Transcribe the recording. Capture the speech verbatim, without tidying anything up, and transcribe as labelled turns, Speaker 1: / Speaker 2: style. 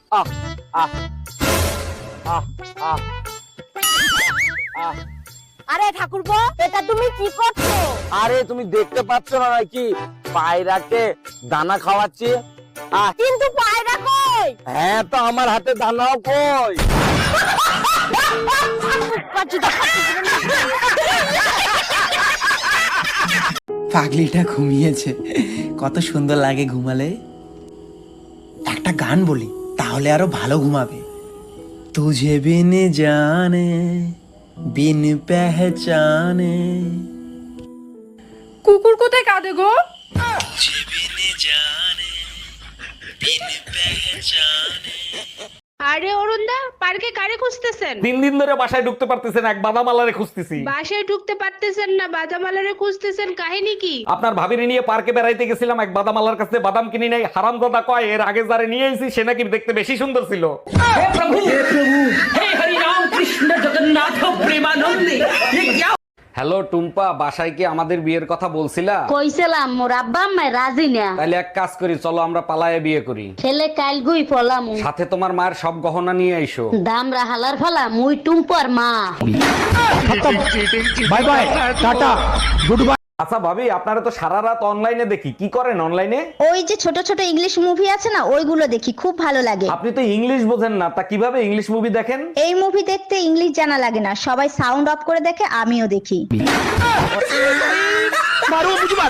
Speaker 1: আহ আহ আহ আহ আহ
Speaker 2: আরে ঠাকুরপো, এটা তুমি কি করছো?
Speaker 1: আরে তুমি দেখতে পাচ্ছ না নাকি পায়রাকে দানা খাওয়াচ্ছি? আহ
Speaker 2: কিন্তু পায়রা কই?
Speaker 1: হ্যাঁ, তো আমার হাতে দানাও কই?
Speaker 2: পাচ্ছি তো, পাচ্ছি তো।
Speaker 3: পাগলিটা ঘুমিয়েছে, কত সুন্দর লাগে ঘুমালে। একটা গান বলি, তাহলে আরো ভালো ঘুমাবে। তুঝে বিন জানে বিন পেহচানে,
Speaker 4: কুকুর কোথায় কাঁদে গো?
Speaker 3: তুঝে বিন জানে বিন পেহচানে।
Speaker 5: আরে অরুণদা, পার্কে কারে খুঁজতেছেন?
Speaker 6: তিন দিন ধরে বাসায় ঢুকতে পারতেছেন, এক বাদামালারে খুঁজতেছি।
Speaker 5: বাসায় ঢুকতে পারতেছেন না, বাদামালারে খুঁজতেছেন, কাহিনী কি?
Speaker 6: আপনার ভাবিরে নিয়ে পার্কে বেড়াইতে গেছিলাম, এক বাদামালার কাছে বাদাম কিনি নাই। হারামজাদা কয় এর আগে যারে নিয়ে আইছি সে নাকি দেখতে বেশি সুন্দর ছিল। হ্যালো টুম্পা, বাসায় কি আমাদের বিয়ের কথা বলছিলা?
Speaker 7: কইছিলাম মোর আব্বা আম্মা রাজি না।
Speaker 6: তাহলে এক কাজ করি, চলো আমরা পালায়ে বিয়ে করি।
Speaker 7: ছেলে কাল গুই ফলাম,
Speaker 6: সাথে তোমার মায়ের সব গহনা নিয়ে আইসো।
Speaker 7: দামরা হালার ফলা মুই টুম্পর মা।
Speaker 1: Bye bye, tata, good bye.
Speaker 6: আচ্ছা ভাবি, আপনারা তো সারা রাত অনলাইনে দেখি, কি করেন অনলাইনে?
Speaker 8: ওই যে ছোট ছোট ইংলিশ মুভি আছে না, ওইগুলো দেখি, খুব ভালো লাগে।
Speaker 6: আপনি তো ইংলিশ বোঝেন না, তা কিভাবে ইংলিশ মুভি দেখেন?
Speaker 8: এই মুভি দেখতে ইংলিশ জানা লাগে না, সবাই সাউন্ড অফ করে দেখে, আমিও দেখি।